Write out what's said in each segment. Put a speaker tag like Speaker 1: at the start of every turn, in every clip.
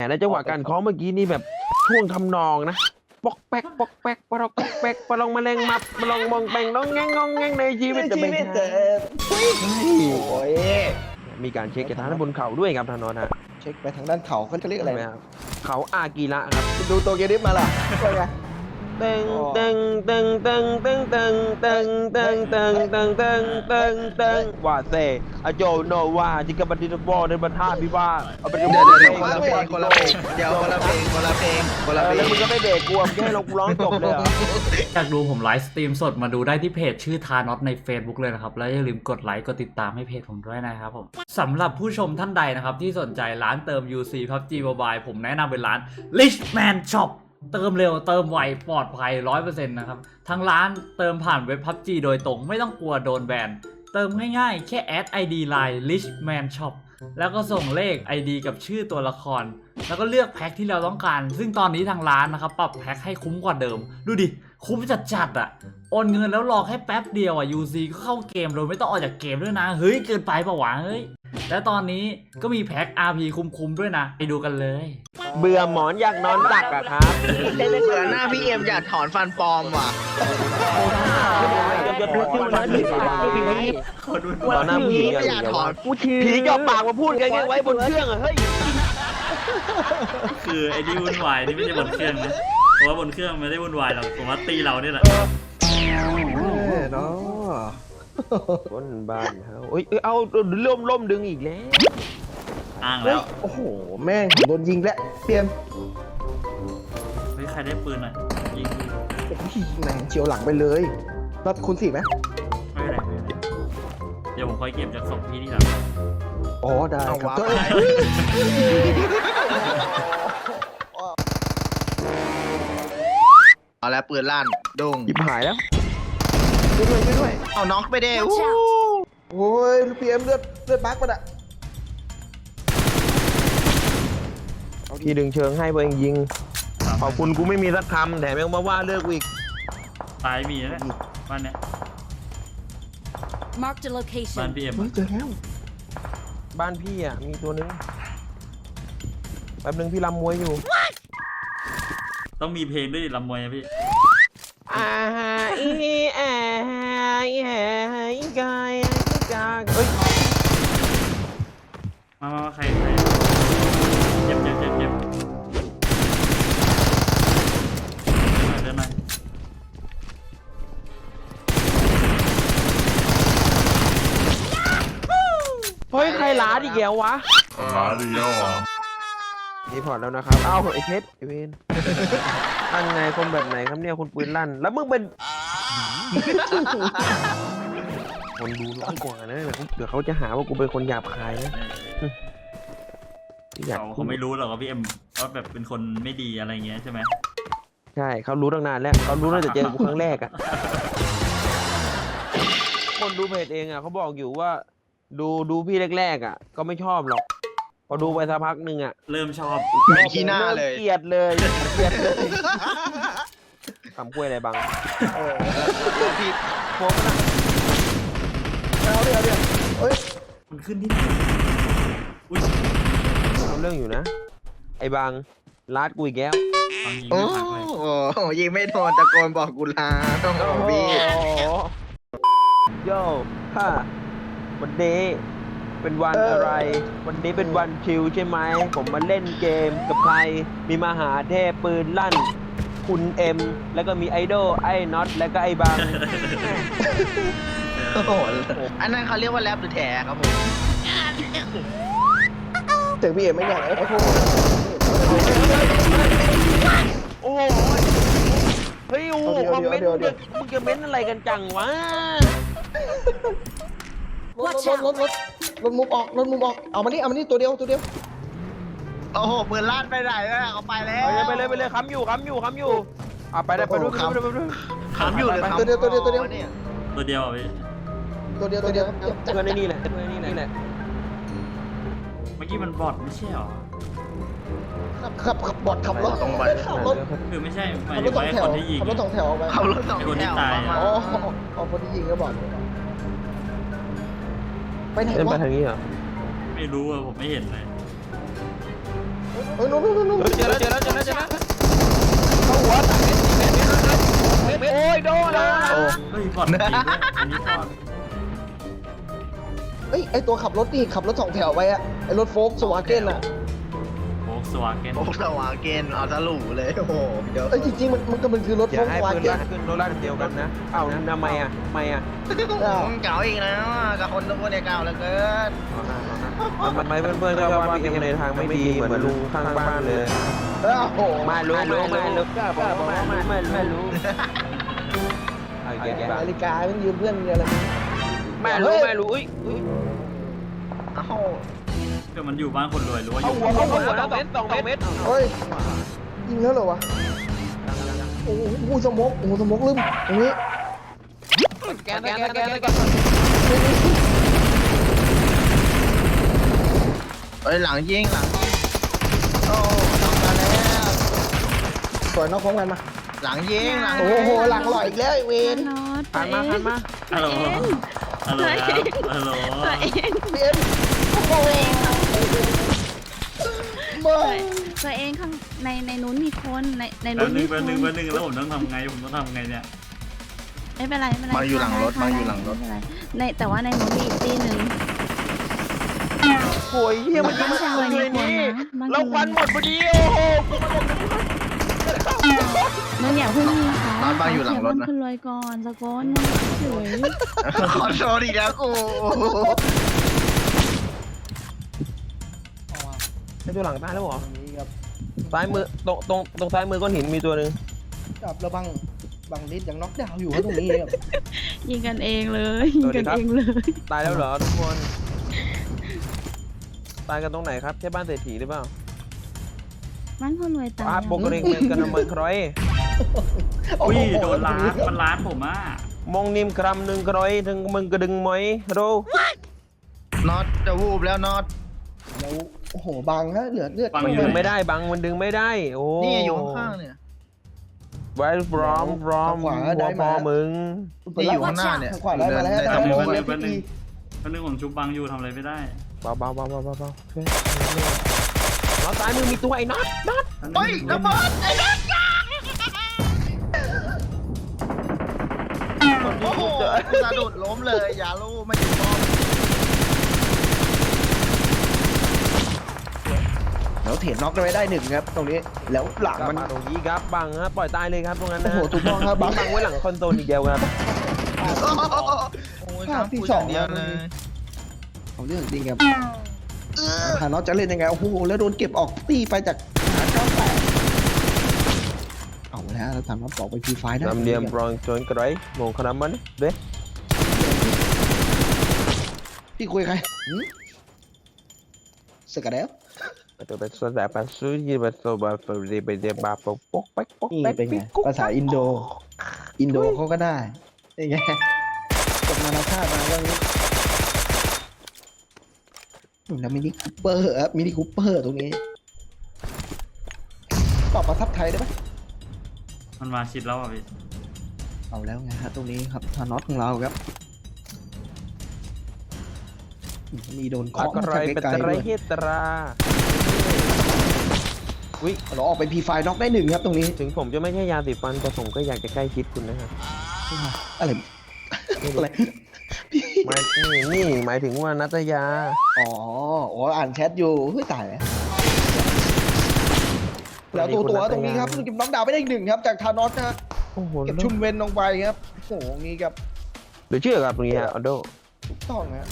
Speaker 1: และจังหวะการเคาะเมื่อกี้นี่แบบช่วงทำนองนะปอกแป๊กปอกแป๊กปลอกแป๊กปลองแมลงมับปลองมองแปงน้องแงงงองแงงในชีวิตจะเป็น
Speaker 2: โอ้ย
Speaker 1: มีการเช็คกระทะบนเขาด้วยครับทานนท์ฮะ
Speaker 2: เช็คไปทางด้านเขาเขาเรียกอะไร
Speaker 1: เขาอากีระครับ
Speaker 2: ดูโตเกียวดิฟมาล่ะว่าไง
Speaker 1: ตึงตึงตึงตึงตึงตึงตึงตึงตึงตึงตึงตึงตึงว่าเซอโจโนวาจิกบันดิบอลในบรรทัดพิว่าเอาไป
Speaker 3: เดี๋ยวคนละเพลงคนละเพลงเดี๋ยวคนละเพลงคนละเพลงคนละเพล
Speaker 1: แล้ว
Speaker 3: ง
Speaker 1: มึงก็ไม่เบรกกูแค่เราร้องจบเลยเหรอ
Speaker 4: อยากดูผมไลฟ์สตรีมสดมาดูได้ที่เพจชื่อทานอตใน Facebook เลยนะครับ แล้วอย่าลืมกดไลค์กดติดตามให้เพจผมด้วยนะครับผมสำหรับผู้ชมท่านใดนะครับที่สนใจร้านเติม UC PUBG Mobile ผมแนะนำเป็นร้าน Richman Shop เติมเร็วเติมไวปลอดภัย 100% นะครับทางร้านเติมผ่านเว็บ PUBG โดยตรงไม่ต้องกลัวโดนแบนเติมง่ายๆแค่แอด ID Line Richman Shop แล้วก็ส่งเลข ID กับชื่อตัวละครแล้วก็เลือกแพ็คที่เราต้องการซึ่งตอนนี้ทางร้านนะครับปรับแพ็คให้คุ้มกว่าเดิมดูดิคุ้มจัดๆอ่ะโอนเงินแล้วรอแค่แป๊บเดียวอ่ะ UC ก็เข้าเกมโดยไม่ต้องออกจากเกมด้วยนะเฮ้ยเกินไปปะวะเฮ้ยและตอนนี้ก็มีแพ็ค RP คุ้มๆด้วยนะไปดูกันเลย
Speaker 1: เบื่อหมอนอยากนอนตักอะครับ
Speaker 3: เบื่อหน้าพี่เอ็มอยากถอนฟันปลอมว่ะ
Speaker 1: จะทุกที่มันผีตอนหน้าผี
Speaker 3: ไม่อยากถอน
Speaker 1: ผีจ่อปากมาพูดกันไว้บนเครื่องอะเฮ้ย
Speaker 4: คือไอ้ที่วุ่นวายนี่ไม่ใช่บนเครื่องนะเพราะว่าบนเครื่องไม่ได้วุ่นวายหรอกผมว่าตีเราเนี่ยแหละ
Speaker 2: เนาะ
Speaker 1: บนบ้านเขาเอ้ยเอาล่มดึงอีกแล้ว
Speaker 4: อ้าง
Speaker 2: เฮ้
Speaker 4: แล้
Speaker 2: ยว โอ้โหแม่งผมโดนยิงแล้วเปลี่ยน
Speaker 4: เฮ้ยใครได้ปืนหน่อยยิง
Speaker 2: โอ้ยแม่งเฉียวหลังไปเลยรับคุณสี่ไหม
Speaker 4: ไม่เป็นไรไม่เป็นไรเดี๋ยวผมคอยเก็บจากศพพี่ที่หลัง
Speaker 2: อ๋อได้ครับ
Speaker 3: เอาแล้วปืนลั่นดุ้ง
Speaker 1: หยิบหายแล้ว
Speaker 2: ด้วย
Speaker 3: เอาน็อกไปเด้
Speaker 5: Watch out
Speaker 2: โอ้ยเปลี่ยนเลือดบั๊กมันอะ
Speaker 1: พี่ดึงเชิงให้เพื่อนยิงขอบคุณกูไม่มีสักคำแถมยังมาว่าเลิกอีก
Speaker 4: ตายมีแล้วเนี่ยบ้านเนี้ย
Speaker 5: Marked a
Speaker 4: บ้าน
Speaker 5: location.
Speaker 4: พี่เอ็ม
Speaker 2: เฮ้ยเจอแล้ว
Speaker 1: บ้านพี่อ่ะมีตัวนึงแป๊บนึงพี่รำมวยอยู่
Speaker 4: ต้องมีเพลงด้วยดิลำมวยนะพี่
Speaker 1: อ่าอีแออีแออีกายอีกาเฮ้ย
Speaker 4: มาใครเจ็บเดินหน่อยเดินหน่อย
Speaker 1: เฮ้ยใครล้าอีกแล้ววะ รีพอร์ตแล้วนะครับ เอ้าไอ้เพชรไอ้เวนตั้งไงคนแบบไหนครับเนี่ยคนปืนลั่น แล้วมึงเป็น คนดูน้อยกว่านะเดี๋ยวเขาจะหาว่ากูเป็นคนหยาบคายนะอยาก
Speaker 4: เขาไม่รู้หรอกว่าพี่เอ็มว่าแบบเป็นคนไม่ดีอะไรเงี้ยใช่ไหม
Speaker 1: ใช่เขารู้ตั้งนานแล้วเขารู้ตั้งแต่เจอกูครั้งแรกอะคนดูเพจเองอะเขาบอกอยู่ว่า ดูพี่แรกๆอะก็ไม่ชอบหรอก พอดูไปสักพักหนึ่งอะ
Speaker 4: เริ่มชอบ
Speaker 3: เหม็นขี้หน้าเลย
Speaker 1: เกลียดเลยเกลียดเลยทำกล้วยอะไรบัง
Speaker 3: แล้วพี่โฟมนะ
Speaker 2: เอาเดี๋ยวเฮ้ย
Speaker 4: มันขึ้นที่ไหนอุ้ย
Speaker 1: เอาเรื่องอยู่นะ ไอ้บังลาดกูอีกแล้ว
Speaker 4: ฟังยิง
Speaker 3: โอ้
Speaker 4: ไม่พักเลย
Speaker 3: โหยิงไม่โดนตะโกนบอกกูลาต้องบอกพี่
Speaker 1: โย่ฮ่าวันนี้เป็นวันอะไร วันนี้เป็นวันชิลใช่ไหม ผมมาเล่นเกมกับใคร มีมหาเทพปืนลั่น คุณเอ็ม แล้วก็มีไอดอลไอ้น็อต แล้วก็ไอ้บัง
Speaker 3: โอ้โหอันนั้นเขาเรียกว่าแรปหรือแถครับผม
Speaker 2: เจอพี่เอ็มไม่อยากไอ้พวก
Speaker 1: โอ้โหเฮ้ยโอ้โหคอมเมนต์มึงจะเม้นอะไรกันจังวะ
Speaker 2: รถมุมออกเอามานี่ตัวเดียว
Speaker 3: โอ้โหปืนลั่นไปไหนแล้วเขาไปแล้ว
Speaker 1: ไปเลยค้ำอยู่อ่ะไปได้ไปด้วย
Speaker 3: ขำอยู่หรือขำ
Speaker 2: ตัวเดียว
Speaker 4: ตัวเดียวอ่ะพี่
Speaker 2: ตัวเดียว
Speaker 1: เพื่อนในนี่แหละนี่แหละ
Speaker 4: เมื่อกี้มันบอทไม่ใช่หรอ
Speaker 2: ขับบอดขับรถ
Speaker 4: คือไม่ใช่หมายถึงว่าไอ้คนที่ยิง
Speaker 2: ขับรถสองแถวไป
Speaker 3: ขับรถสอง
Speaker 4: ไอ้คน
Speaker 3: แถ
Speaker 4: ที่
Speaker 3: ว
Speaker 4: ตาย
Speaker 3: มา
Speaker 2: อ๋อคนที่ยิงก็บอกไปไหน
Speaker 1: เดินไป
Speaker 2: วะ
Speaker 1: ทางนี้เหรอ
Speaker 4: ไม่รู้อะผมไม่เห็นเลย
Speaker 2: ไปนู้น
Speaker 1: เจอแล้วเข้าหัวตัดเม็ดโอ้ยโดนแล้ว
Speaker 4: เฮ้ยบอดจริงด้วยอันนี้บอด
Speaker 2: เฮ้ยไอตัวขับรถนี่ขับรถ2 แถวไปอะไอรถโฟล์คสวาเกนอะ
Speaker 4: โฟกสวาเกน
Speaker 3: โอ้สวาเกนเอาทะลุเลยโอ้โหเดี๋ยว
Speaker 2: เอ้ยจริงๆมันคือรถ
Speaker 1: อ
Speaker 2: โฟ
Speaker 1: ย่า
Speaker 2: ล์ค
Speaker 1: ให้
Speaker 2: สวา
Speaker 1: ปืน
Speaker 2: เกน
Speaker 1: ลั่นขึ้นรถลั่นเดียวกันนะเอ้าทำไมอ่ะ
Speaker 3: เก่าอีกแล้วกับคนทุกคนเนี่ยเก่าเหลือเกิน
Speaker 1: มันไม่เพื่อนๆก็ว่าพี่เอ็มในทางไม่ดีเหมือนลุงข้างบ้านเลย
Speaker 2: โอ้โห
Speaker 1: ไม่รู้ก็บอกว่าไม่รู้ไอ้แก
Speaker 2: นาฬิกามันยืมเพื่อนอะไร
Speaker 1: ไม่รู้อุ้ย
Speaker 3: เอ้า
Speaker 4: ก็มันอยู่บ้านคนรวยหรือว่าอ
Speaker 1: เอา
Speaker 4: ยู่
Speaker 1: หัวแล้ว2 เมตร
Speaker 2: เฮ้ยยิงแล้วเหรอวะโอ้โหสมกลืมตรงนี้
Speaker 1: แกน
Speaker 3: เอ้ยหลังยิงโอ้น้องมาแล้ว
Speaker 2: สวยนอกพร้อมกันมา
Speaker 3: หลังยิง
Speaker 2: โอ้โหหลังหล่ออีกแล้วไอเวน
Speaker 1: ผ่านมา
Speaker 4: ฮัลโหลฮัลโหลครับฮัลโหล
Speaker 2: เอ็นโอ้โหมา
Speaker 5: ตัวเองข้างในนู้นมีคนใน
Speaker 4: แป๊
Speaker 5: นู้
Speaker 4: บ
Speaker 5: น
Speaker 4: นึ
Speaker 5: มี
Speaker 4: ง
Speaker 5: ค
Speaker 4: แป๊บ
Speaker 5: น
Speaker 4: นึงแล้วผมต้องทำไงเนี่ย
Speaker 5: ไม่เป็นไร
Speaker 3: มาอยู่หลังรถ
Speaker 5: ในแต่ว่าในนู้นมีอีกตีหนึ่ง
Speaker 1: โอ้ยเฮียมัน
Speaker 5: บ้านคนรวยมีคนนะบ้าน
Speaker 1: เรา
Speaker 5: คน
Speaker 1: ควันหมดพอดีโอ้โห
Speaker 5: มึงอย่าเพิ่งยิงเขา
Speaker 3: บ้านอยู่หลังรถนะ
Speaker 5: บ้านคนรวยก่อนสะก้อนเฉย
Speaker 3: ขอโชว์อีกแล้วกู
Speaker 1: ไอ้ตัวหลังตายแล้วเหรอ
Speaker 2: นี้ครับ
Speaker 1: ซ้ายมือตรงซ้ายมือก้อนหินมีตัวหนึ่ง
Speaker 2: กับระบังนิดยังน็อกดาวน์อยู่ตรงนี้ครับ
Speaker 5: ยิงกันเองเลยยิงกันเองเลย
Speaker 1: ตายแล้วเหรอทุกคนตายกันตรงไหนครับใช่บ้านเศรษฐีหรือเปล่า
Speaker 5: บ้านคนรวยตาย
Speaker 1: อาโปกเรงเมนกันมันครอย
Speaker 4: อุ้ยโดนล้านมันล้านผมอ่ะ
Speaker 1: มองนิมกรัมหนึ่งครอยถึงมึงกระดึงไหมโร
Speaker 3: น็อตจะวูบแล้วน็อต
Speaker 2: แล้วโอ้โหบังฮะเหลือเลือด
Speaker 1: มันดึงไม่ได้บังมันดึงไม่ได้โอ้
Speaker 3: นี่อยู่ข้างๆเนี่ย
Speaker 1: ไว้พร้อมหัวพอมึง
Speaker 3: นี่อยู่ข้างหน้าเนี่ย
Speaker 2: ขวาได้มาแล้ว
Speaker 4: แป๊บนึง
Speaker 2: โอ้โห
Speaker 4: แป๊บนึงผมชุบบังอยู่ทำอะไรไม่ได้
Speaker 1: เบาเราตายมึงมีตัวไอ้น็อต
Speaker 3: เฮ้ยระเบิดไอ้น็อตโอ้โหกูสะดุดล้มเลยอย่าลูกไม่ถูกต้อง
Speaker 2: แล้วเถียนน็อกไว้ได้1ครับตรงนี้แล้วหลัง
Speaker 1: มั
Speaker 2: มัน น
Speaker 1: ตรงนี้ครับบังฮะปล่อยตายเลยครับตรงนั้น
Speaker 2: โอ้
Speaker 1: นะ
Speaker 2: โหถูกต้องครับบัง
Speaker 1: บังไว้หลังคอนโซลอีกเดียวครับ
Speaker 3: โอ้ยครับที่สองเดียวเลย
Speaker 2: เอาเรื่องจริงครับหาน็อตจะเล่นยังไงโอ้โหแล้วโดนเก็บออกตีไปจากหา98เอาแล้วแล้วทำน็อตบอกไปพีไฟได้
Speaker 1: นำเดียมปรองจนกระไรมองขนาดมันเด้
Speaker 2: พี่คุยใครสกัดแล้ว
Speaker 1: ตัวเป็นส่วนแบบเป็นซูยี่เป็นโซบะเฟรย์ไปเดียบาปปกป๊ก
Speaker 2: นี่เป็นไงภาษาอินโดเขาก็ได้นี่ไงจบนานาชาติมาเรื่องนี้แล้วมินิคูเปอร์ครับมินิคูเปอร์ตรงนี้ตอบประทับไทยได้ไหม
Speaker 4: มันมาชิดแล้วอ่ะพี่
Speaker 2: เอาแล้วไงฮะตรงนี้ครับทานอตของเราครับมีโดนเคาะ
Speaker 1: กระไร
Speaker 2: มา
Speaker 1: เป็น
Speaker 2: ไกล
Speaker 1: กระ
Speaker 2: ๆ
Speaker 1: ไร
Speaker 2: ด้วย
Speaker 1: เฮตรา
Speaker 2: เราออกไปพีไฟน็อกได้1ครับตรงนี้
Speaker 1: ถึงผมจะไม่ใช่ยาสีฟันแต่ผมก็อยากจะใกล้ชิดคุณนะครับ
Speaker 2: อะไรอะไร
Speaker 1: นี่หมายถึงว่านัตยา
Speaker 2: อ๋ออ่านแชทอยู่เฮ้ยตายแล้วตัวตรงนี้ครับเก็บน็อกดาวน์ไปได้อีก1ครับจากทานอสนะฮะ
Speaker 1: โอ้โห
Speaker 2: เก็บชุมเวนลงไปครับโอ้โหงี้ครับ
Speaker 1: เดี๋ยวเชื่อครับตรงนี้ฮะออโด
Speaker 2: ถูกต้องฮะ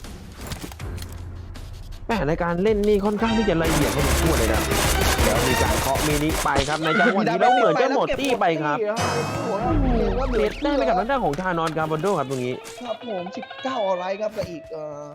Speaker 1: แหมในการเล่นนี่ค่อนข้างที่จะละเอียดพอสมควรเลยนะเดี๋ยวมีการเคาะมินิไปครับในจังหวะนี้แล้วเหมือนจะหมดตี้ไปครับ เสียได้ไปกับทางด้านของทานอนการบอนโดครับตรงนี้
Speaker 2: ครับผม19อะไรครับกับอีก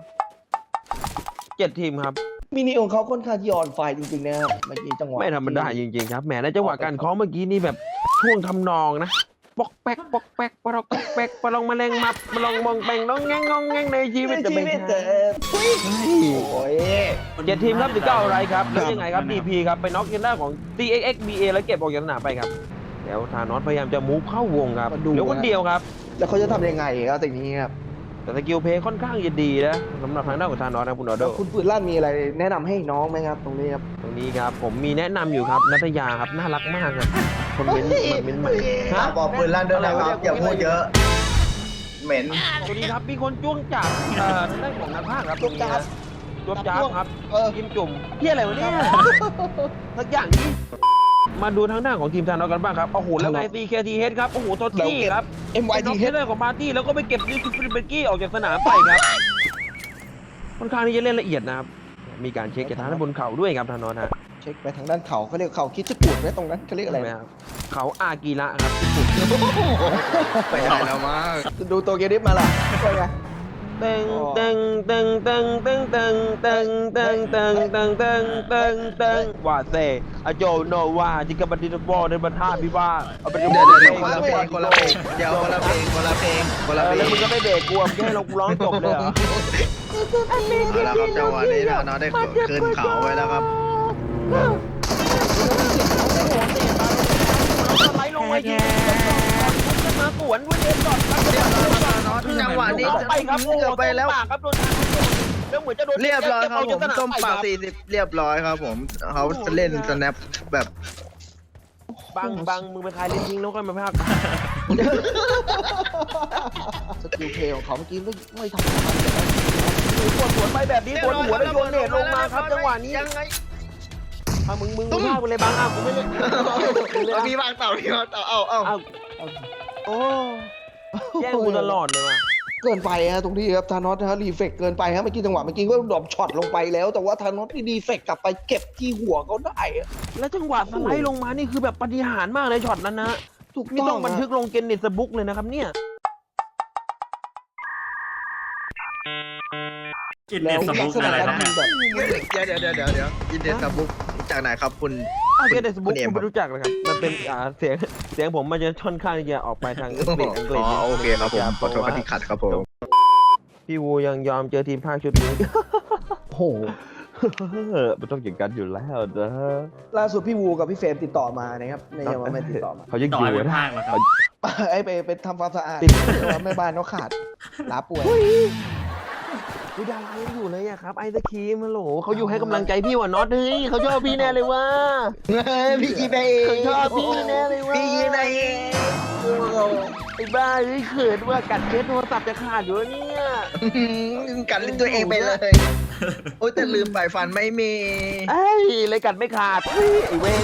Speaker 1: 7 ทีมครับ
Speaker 2: มินิของเขาค่อนข้างที่ออนไฟจริงๆนะครับเมื่อกี้จังหวะ
Speaker 1: ไม่ธรรมดาจริงๆครับแหมในจังหวะการเคาะเมื่อกี้นี่แบบช่วงทำนองนะปอกแป๊กปลอกแป๊กปลองแมลงมับปลองมองแปงน้องแงงในชีวิตจะเป็น
Speaker 2: โอ้ย
Speaker 1: 7 ทีมครับ19อะไรครับแล้วยังไงครับ DP ครับไปน็อกกันหน้าของ TXXBA แล้วเก็บออกจากสนามไปครับแล้วทานอสพยายามจะมูฟเข้าวงครับเหลือคนเดียวครับ
Speaker 2: แล้วเขาจะทำยังไงครับสิ่งนี้ครับ
Speaker 1: แต่สกิลเพย์ค่อนข้างจะดีนะสำหรับทางด้านของทานอสนะคุณออโด
Speaker 2: แล้วคุณปืนลั่นมีอะไรแนะนำให้น้องไหมครับ ตรงนี้ครับ
Speaker 1: ตรงนี้ครับผมมีแนะนำอยู่ครับนัทยาครับน่ารักมากครับคนเม้นมันเม้นมา
Speaker 3: ฝากบอกปืนลั่นด้วยนะครับอย่าพูดเยอะ เหม็น
Speaker 1: สวัสดีครับมีคนจ้วงจับทางด้านของนักภาคครับตรงนี้นะจ้วงจับครับกิมจุ่มเที่ยอะไรวะเนี่ยสักอย่างนี้มาดูทางด้านของทีมทานอสกันบ้างครับโอ้โหแล้วไง CKTH ครับโอ้โหโทตี้ครับ
Speaker 2: MYT
Speaker 1: น็อกเทนของปาร์ตี้แล้วก็ไปเก็บนิวฟิลิปเบกกี้ออกจากสนามไปครับค่อนข้างที่จะเล่นละเอียดนะครับมีการเช็คจากทางด้านบนเขาด้วยครับทานอสฮะ
Speaker 2: เช็คไปทางด้านเขาเขาเรียกเขาคิดจะกูดไหมตรงนั้นเขาเรียกอะไร
Speaker 1: อะไรครับเขาอากีระครับญี่ปุ่น
Speaker 3: ไปได้แล้วมั้ง
Speaker 2: ดูตัวเกดิฟมาล่ะเป็นไง
Speaker 1: ตึงตึงตึงตึงตึงตึงตึงตึงตึงตึงตึงตึงตึงว่าเซอโจโนวาจิกาบันดิโบในประท่าพิว่าเอาเป็น
Speaker 3: เดี๋ยวคนละเพลงคนละเพลงเดี๋ยวคนละเพลงคนละเพลงคนละเพล
Speaker 1: แล้ว
Speaker 3: ง
Speaker 1: มึงก็ไม่เบรกกูมึงให้เราร้องจบเลยเหรอ
Speaker 3: เอาละครับจังหวะนี้นะน้องได้ขึ้นเขาไว้แล้วครับ
Speaker 1: สไลด์ลงมายิงมาสวนด้วยเดนก่อนครับ
Speaker 3: จังหวะนี้
Speaker 1: ไปครับ
Speaker 3: เกือบไปแล้ว
Speaker 1: ครับโดนแล้วเหมือนจะโดน
Speaker 3: เรียบร้อยครับผมส้มปาก40เรียบร้อยครับผมเขาจะเล่นสแนปแบบ
Speaker 1: บังมึงไปคลายเล่นทิ้งแล้วค่อยมาพาก
Speaker 2: สกิลเพลย์ของเขาเมื่อกี้ไม่ทำอะไรเลยนะ
Speaker 1: สวนไปแบบนี้สวนหัวแล้วโยนเนตลงมาครับจังหวะนี้
Speaker 3: ยังไง
Speaker 1: มึงพากไปเลยบังกูไม่เล่น
Speaker 3: มีวางเต่ามีวางเต่าเอา
Speaker 1: โอ้แย่งกูตลอดเลยว่ะ
Speaker 2: เกินไปฮะตรงนี้ครับธานอสนะฮะรีเฟกเกินไปฮะเมื่อกี้จังหวะเมื่อกี้ก็ดรอปช็อตลงไปแล้ว แต่ว่าธานอสที่รีเฟกกลับไปเก็บที่หัวเขาได้อะ
Speaker 1: แล้วจังหวะสไลด์ลงมานี่คือแบบปาฏิหาริย์มากเลยช็อตนั้นนะ
Speaker 2: ถูก
Speaker 1: นี่
Speaker 2: ต้
Speaker 1: ต้
Speaker 2: อ
Speaker 1: อง งบันทึกลงเกนเนสบุ๊กเลยนะครับเนี่ย
Speaker 4: กินเนสบุ๊กอะไรครับเนี่ย
Speaker 2: แบบ
Speaker 3: เดี๋ยวอินเดสบุ๊กจากไหนครับคุณ
Speaker 1: เกนเนสบุ๊กคุณไม่รู้จักเลยครับมันเป็นเสียงผมมันจะค่อนข้างจะออกไปทางอังกฤษ
Speaker 3: อ๋อโอเคครับผมขอโทษที่ขัดครับผม
Speaker 1: พี่วูยังยอมเจอทีมภาคชุดนี้
Speaker 2: โอ้โห
Speaker 1: มันต้องอย่างกันอยู่แล้วนะ
Speaker 2: ล่าสุดพี่วูกับพี่เฟรมติดต่อมานะครับไม่ใช่ว่าไม่ติดต่อมา
Speaker 1: เขายัง
Speaker 4: ต่
Speaker 1: อ
Speaker 4: อย
Speaker 1: ยู่
Speaker 4: เป็น
Speaker 1: นะ
Speaker 4: ภาคเหรอครับ
Speaker 2: ไอ้ไปทำความสะอาดแต่ว่าแม่บ้านเขาขาดลาป่วย
Speaker 1: วิดารายังอยู่เลยอะครับไอศครีมฮัลโหลเขาอยู่ให้กำลังใจพี่ว่ะน็อตเฮ้ยเขาชอบพี่แน่เลยว่ะ
Speaker 2: พี่กีไปเอง
Speaker 1: เขาชอบพี่แน่เลยว่ะ
Speaker 2: พี่กีไปเอง
Speaker 1: ไอ้บ้าเฮ้ยเขินว่ากัดเคสโทรศัพท์จะขาดอยู่แล้วเนี่ย
Speaker 3: กัดลิ้นตัวเองไปเลย โอ้ยแต่ลืมใบฟันไม่มี
Speaker 1: ไอ้ยเลยกัดไม่ขาดเฮ้ยไอ้เวร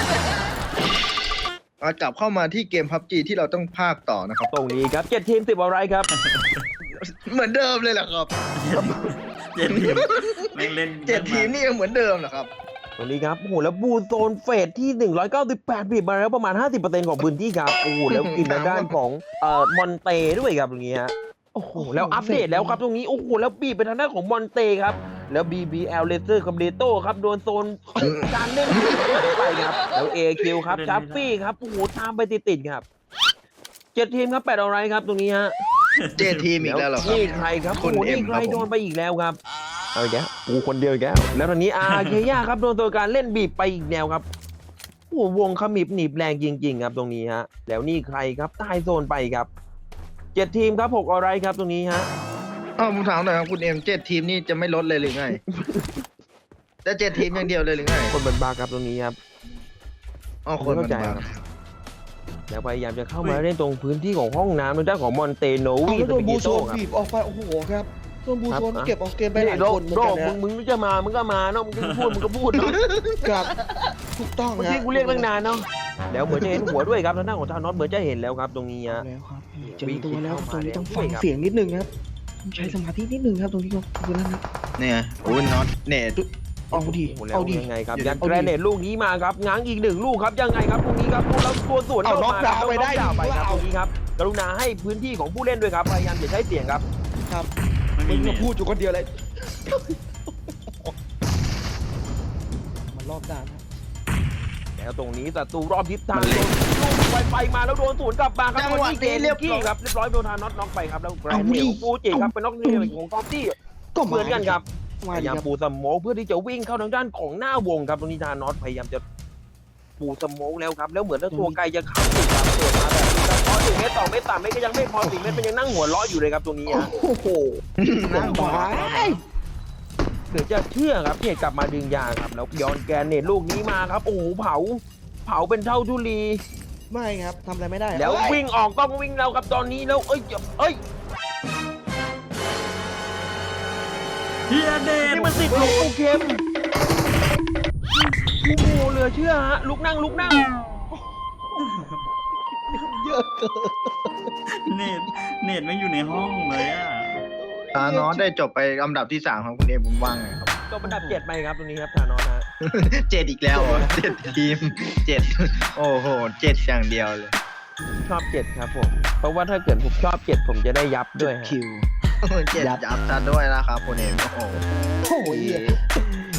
Speaker 3: กลับเข้ามาที่เกม PUBG ที่เราต้องพากต่อนะครับ
Speaker 1: ตรงนี้ครับ7 ทีม 10 อะไรครับ
Speaker 3: เหมือนเดิมเลยเหรอครับ
Speaker 4: เจ็ดทีมแม่งเล่น
Speaker 3: 7 ทีมนี่ยังเหมือนเดิมเหรอครับ
Speaker 1: ตรงนี้ครับโอ้โหแล้วบูโซนเฟสที่198บีบมาแล้วประมาณ 50%ของพื้นที่ครับโอ้โหแล้วกินทางด้านของมอนเตด้วยครับตรงนี้ฮะโอ้โหแล้วอัปเดตแล้วครับตรงนี้โอ้โหแล้วบีบไปทางด้านของมอนเตครับแล้ว BBL Laser กับเลโต้ครับโดนโซนการเล่นไปครับแล้ว AQ ครับจัฟฟี่ครับโอ้โหตามไปติดๆครับ7 ทีมครับ8อะไรครับตรงนี้ฮะ
Speaker 3: 7 ทีมอีกแล้วเหรอครับ
Speaker 1: นี่ใครครับ
Speaker 3: คุณ
Speaker 1: โอ้โห
Speaker 3: เอ็
Speaker 1: นี่
Speaker 3: ม
Speaker 1: ใค
Speaker 3: ค
Speaker 1: ร
Speaker 3: รับผม
Speaker 1: โดนไปอีกแล้วครับเอาอีกแล้วกูคนเดียวอีกแล้วแล้วตอนนี้เคย่าครับโดนตัวการเล่นบีบไปอีกแนวครับโอ้โหวงขมิบหนีบแรงจริงๆครับตรงนี้ฮะแล้วนี่ใครครับใต้โซนไปครับ7 ทีมครับ6อะไรครับตรงนี้ฮะ
Speaker 3: ผมถามหน่อยครับคุณเอ็ม7 ทีมนี่จะไม่ลดเลยหรือไงจะ7 ทีมอย่างเดียวเลยหรือไง
Speaker 1: คนบันบาครับตรงนี้ครับ
Speaker 3: คนมัน
Speaker 1: เข้าใจ
Speaker 3: บ้า
Speaker 1: ครับ แล้วพยายามจะเข้ามาเล่นตรงพื้นที่ของห้องน้ำทางด้านของมอนเตโน
Speaker 2: เอา
Speaker 1: วี
Speaker 2: แล้ว
Speaker 1: ส
Speaker 2: โดน
Speaker 1: ปิ
Speaker 2: บู
Speaker 1: กิ
Speaker 2: โซ
Speaker 1: โต้
Speaker 2: น
Speaker 1: ครับ
Speaker 2: บีบออกไปโอ้โหครับโดนบูโซน
Speaker 1: ครับ
Speaker 2: เก็บออกเกมไปหลาย
Speaker 1: โด
Speaker 2: คนเหมือน
Speaker 1: โด
Speaker 2: กันนะ
Speaker 1: มึงจะมามึงก็มาเนาะมึงจะพูดมึงก็พูดเนาะ
Speaker 2: ครับถูกต้อง
Speaker 1: เมื่อ
Speaker 2: นะ
Speaker 1: กี้กูเรียกตั้งนานเนาะแล้วเหมือนจะเห็นหัวด้วยครับทางด้านของทานอสเหมือนจะเห็นแล้วครับตรงนี้ฮะ
Speaker 2: แล้วครับเจอตัวแล้วตรงนี้ต้อง
Speaker 1: วิ่
Speaker 2: ฟั
Speaker 1: ง
Speaker 2: ง
Speaker 1: เข้ามา
Speaker 2: เสียงนิดนึงครับต้องใช้สมาธินิดนึงครับตรงนี้ครับคือนั่นนะ
Speaker 3: เนี่ยโอ้ยน็อตเนต
Speaker 2: เอาดิ
Speaker 1: โอ้โหแล้ว
Speaker 2: เอาดิ
Speaker 1: ยังไงครับ
Speaker 3: เดี๋ยว
Speaker 1: ยัดแกรเนตลูกนี้มาครับง้างอีก1 ลูกครับยังไงครับตรงนี้ครับแล้วตัวสวน
Speaker 2: เอา
Speaker 1: เข้า
Speaker 2: น็อก
Speaker 1: มา
Speaker 2: ดาวน์ไปได้
Speaker 1: น็อกดาวน์ไปครับ
Speaker 2: เอา
Speaker 1: ตรงนี้ครับกรุณาให้พื้นที่ของผู้เล่นด้วยครับพยายามอย่าใช้เสียงครับ
Speaker 2: ครับ
Speaker 4: ไม่
Speaker 2: มึ
Speaker 4: มี
Speaker 2: ง
Speaker 4: เน
Speaker 2: มา
Speaker 4: ต
Speaker 2: พูดอยู่คนเดียวเลยมันรอบด้านนะ
Speaker 1: แล้วตรงนี้ศัตรูรอบทิศทางโดนลูกไฟมาแล้วโดนสวนกลับมาครับ
Speaker 3: จังหวะนี้เรียบร้อย
Speaker 1: ครับเรียบร้อยโดนทานน็อกไปครับแล้วแกรเนตของฟูจิครับเป็นน็อกเนตของทอมตี้
Speaker 2: ก็
Speaker 1: เหมือนกันครับพ
Speaker 2: มาดิ
Speaker 1: ยายาม
Speaker 2: ครับ
Speaker 1: ปูสโมกเพื่อที่จะวิ่งเข้าทางด้านของหน้าวงครับตรงนี้ทานอสพยายามจะปูสโมกแล้วครับแล้วเหมือนว่าตัวไกลจะเข้าติดครับเปิดมาแบบนี้พอ1 เมตร 2 เมตร 3 เมตรก็ยังไม่พอ4 เมตรมันยังนั่งหัวเราะอยู่เลยครับตรงนี้ฮะ
Speaker 2: โอ้โห
Speaker 3: นั่งหัว
Speaker 2: ไป
Speaker 1: เดี๋ยวจะเชื่อครับเพจกลับมาดึงยางครับแล้วย้อนแกนเนตลูกนี้มาครับโอ้โหเผาเป็นเท่าทุลี
Speaker 2: ไม่ครับทำอะไรไม่ได้
Speaker 1: แล้ว
Speaker 2: เอ้ย
Speaker 1: วิ่งออกต้องวิ่งแล้วครับตอนนี้แล้วเอ้ย
Speaker 4: เฮียเดน
Speaker 1: นี่มันติดหลวงปู่เข็มโอ้โหเหลือเชื่อฮะลุกนั่ง
Speaker 2: เยอะเกิน
Speaker 4: เนตไม่อยู่ในห้องเลยอ่ะ
Speaker 3: ธานอสได้จบไปอันดับที่ 3 ครับคุณเอ็มผมว่างไงครับ
Speaker 1: ก็อันดับ7ไปครับตรงนี้ครับธานอสฮะ
Speaker 3: 7 อีกแล้วเหรอ7 ทีม 7 โอ้โห 7 อย่างเดียวเลย
Speaker 1: ชอบ7ครับผมเพราะว่าถ้าเกิดผมชอบ7ผมจะได้ยับด้วยฮะ
Speaker 2: คิว
Speaker 3: 7 ยับซะด้วยนะครับคุณเอ็มโอ้โห
Speaker 2: โอ้ย